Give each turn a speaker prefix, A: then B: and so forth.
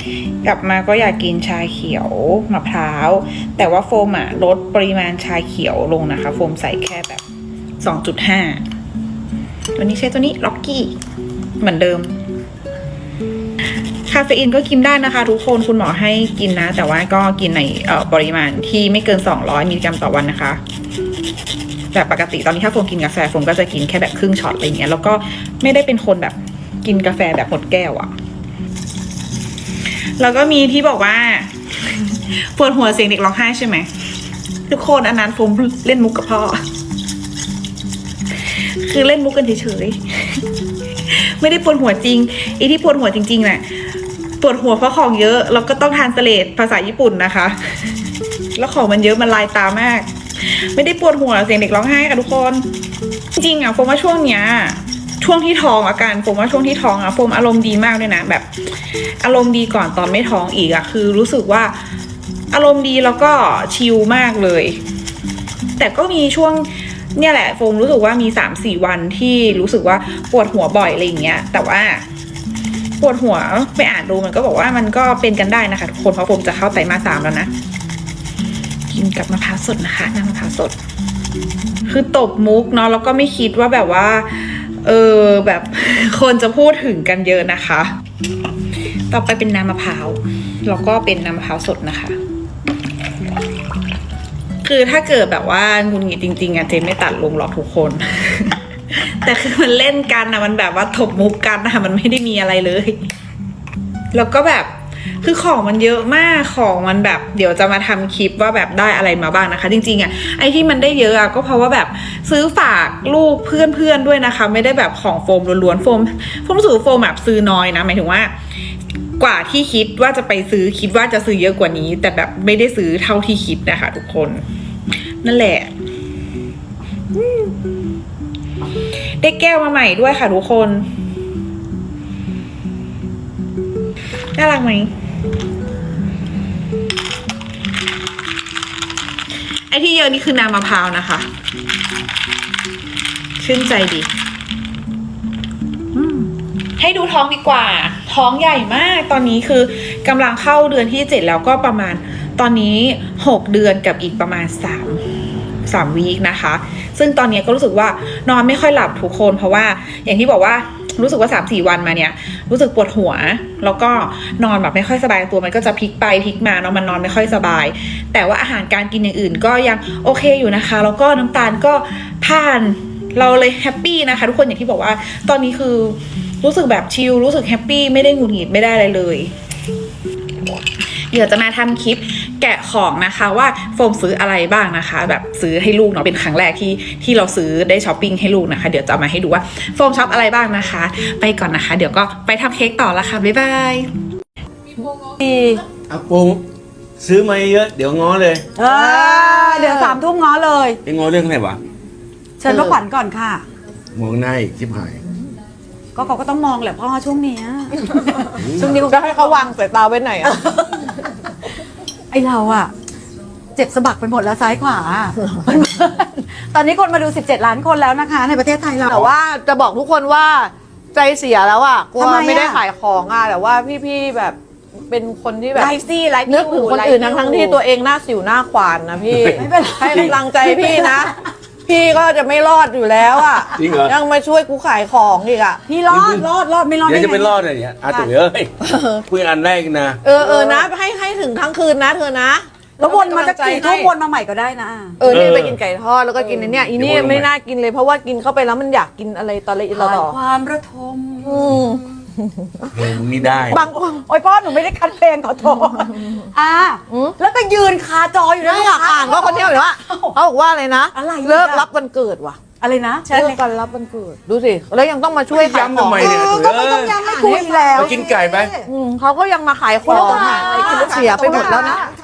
A: กลับมาก็อยากกินชาเขียวมะพร้าวแต่ว่าโฟมอะลดปริมาณชาเขียวลงนะคะโฟมใส่แค่แบบ 2.5 ตัวนี้ใช้ตัวนี้ล็อกกี้เหมือนเดิมคาเฟอีนก็กินได้นะคะทุกคนคุณหมอให้กินนะแต่ว่าก็กินในปริมาณที่ไม่เกิน200มิลลิกรัมต่อวันนะคะแบบปกติตอนนี้ถ้าโฟมกินกาแฟโฟมก็จะกินแค่แบบครึ่งช็อตอะไรเงี้ยแล้วก็ไม่ได้เป็นคนแบบกินกาแฟแบบหมดแก้วอะแล้วก็มีที่บอกว่าปวดหัวเสียงเด็กร้องไห้ใช่ไหมทุกคนอันนั้นโฟมเล่นมุกกับพ่อคือเล่นมุกกันเฉยๆไม่ได้ปวดหัวจริงไอ้ที่ปวดหัวจริงๆน่ะปวดหัวเพราะของเยอะแล้วก็ต้องทรานสเลทภาษาญี่ปุ่นนะคะแล้วของมันเยอะมันลายตามากไม่ได้ปวดหัวเสียงเด็กร้องไห้ค่ะทุกคนจริงๆอ่ะโฟมว่าช่วงเนี้ยช่วงที่ท้องอาการโฟมว่าช่วงที่ท้องอ่ะโฟมอารมณ์ดีมากเลยนะแบบอารมณ์ดีก่อนตอนไม่ท้องอีกอ่ะคือรู้สึกว่าอารมณ์ดีแล้วก็ชิลมากเลยแต่ก็มีช่วงเนี่ยแหละโฟมรู้สึกว่ามี 3-4 วันที่รู้สึกว่าปวดหัวบ่อยอะไรอย่างเงี้ยแต่ว่าปวดหัวไปอ่านดูมันก็บอกว่ามันก็เป็นกันได้นะคะทุกคนเพราะโฟมจะเข้าไตรมาส 3แล้วนะกินกับมะพร้าวสดนะคะน้ำมะพร้าวสดคือตบมุกเนาะแล้วก็ไม่คิดว่าแบบว่าแบบคนจะพูดถึงกันเยอะนะคะต่อไปเป็นน้ำมะพร้าวแล้วก็เป็นน้ำมะพร้าวสดนะคะคือถ้าเกิดแบบว่าหงุดหงิดจริงๆอะเจนไม่ตัดลงหรอกทุกคน แต่คือมันเล่นกันนะมันแบบว่าถบมุกกันนะมันไม่ได้มีอะไรเลยแล้วก็แบบคือของมันเยอะมากของมันแบบเดี๋ยวจะมาทำคลิปว่าแบบได้อะไรมาบ้างนะคะจริงๆอะไอที่มันได้เยอะอะก็เพราะว่าแบบซื้อฝากลูกเพื่อนๆด้วยนะคะไม่ได้แบบของโฟมล้วนๆโฟมรู้สึกโฟมแบบซื้อน้อยนะหมายถึงว่ากว่าที่คิดว่าจะไปซื้อคิดว่าจะซื้อเยอะกว่านี้แต่แบบไม่ได้ซื้อเท่าที่คิดนะคะทุกคนนั่นแหละได้แก้วมาใหม่ด้วยค่ะทุกคนน่ารักไหมไอที่เยอะนี่คือน้ำมะพร้าวนะคะชื่นใจดีให้ดูท้องดีกว่าท้องใหญ่มากตอนนี้คือกำลังเข้าเดือนที่7แล้วก็ประมาณตอนนี้6เดือนกับอีกประมาณ3 วีคนะคะซึ่งตอนนี้ก็รู้สึกว่านอนไม่ค่อยหลับทุกคนเพราะว่าอย่างที่บอกว่ารู้สึกว่า 3-4 วันมาเนี่ยรู้สึกปวดหัวแล้วก็นอนแบบไม่ค่อยสบายตัวมันก็จะพลิกไปพลิกมาเนาะมันนอนไม่ค่อยสบายแต่ว่าอาหารการกินอย่างอื่นก็ยังโอเคอยู่นะคะแล้วก็น้ำตาลก็ผ่านเราเลยแฮปปี้นะคะทุกคนอย่างที่บอกว่าตอนนี้คือรู้สึกแบบชิลรู้สึกแฮปปี้ไม่ได้หงุดหงิดไม่ได้อะไรเลยเดี๋ยวจะมาทำคลิปแกะของนะคะว่าโฟมซื้ออะไรบ้างนะคะแบบซื้อให้ลูกเนาะเป็นครั้งแรกที่เราซื้อได้ช้อปปิ้งให้ลูกนะคะเดี๋ยวจะมาให้ดูว่าโฟมช็อปอะไรบ้างนะคะไปก่อนนะคะเดี๋ยวก็ไปทำเค้กต่อละค่ะบ๊ายบาย
B: อาปงซื้อมาเยอะเดี๋ยวง้อเลย
C: เดี๋ยว3 ทุ่มง้อเลย
B: ไปง้อเรื่องอะไรวะ
C: เชิญพ่อขวัญก่อนค่ะ
B: มองหน้าอีกชิบหาย
C: ก็เขาก็ต้องมองแหละพ่อช่วงนี้
D: ช่วงนี้ก็ให้เขาวางสายตาไว้ไหนอ่ะ
C: ไอเราอะเจ็บสะบักไปหมดแล้วซ้ายขวา ตอนนี้คนมาดู17 ล้านคนแล้วนะคะ ในประเทศไทยเรา
D: แต่ว่าจะบอกทุกคนว่าใจเสียแล้วอ่ะกลัว
C: ทำไมอะ
D: ไม่ได้ขายของอ่ะแต่ว่าพี่ๆแบบเป็นคนที่แบบ
C: ไลฟ์ซี่ไลฟ์
D: นึกถึงคนอื่นทั้งที่ตัวเองหน้าสิวหน้าขวานนะพี่
C: ไม่เป็นไร
D: ให้กำลังใจพี่นะ พี่ก็จะไม่รอดอยู่แล้วอ่ะ
B: จริงเหรอ
D: ยังมาช่วยกูขายของอีกอ่ะ
C: พี่รอดไม่รอด
B: เดี๋ยว
C: ได้
B: จะ
C: ไง
B: ไปรอดอะไรเนี่ยอาตุ๋ยเอ้ยคุยอันแรกนะ
D: เออนะให้ถึงทั้งคืนนะเธอนะ
C: แล้ววนมาจะกี่ทุ่ม
D: ให้
C: วนมาใหม่ก็ได้นะ
D: นี่ไปกินไก่ทอดแล้วก็กินเนี่ยอีนี่ไม่น่ากินเลยเพราะว่ากินเข้าไปแล้วมันอยากกินอะไรตอนละอีต่อ
C: ความระทม
B: เพลงมึงนี่ได้
D: บางคน
C: โอ้ยพ่อหนูไม่ได้คัดเพลงขอโทษแล้วก็ยืนคาจออยู่นะ
D: ไม่อยากอ่านก็คนเนี้ยหรือว่าเขาบอกว่าอะไรนะ
C: อะไรอ่ะ
D: เลิกรับวันเกิดว่ะ
C: อะไรนะ
D: เลิกกันรับวันเกิดดูสิแล้วยังต้องมาช่วยขาย
B: ย้ำ
D: ขอ
B: ทำ
D: ง
B: ไมเนี่ยตุ๋ย
C: ก็
B: เอ้
C: ไม่ต้อง
B: ย
C: ย้ำไม่คุยแล้ว
B: ไปกินไก่ไป
D: เขาก็ยังมาขายของอ่ะเสียไปหมดแล้วนะ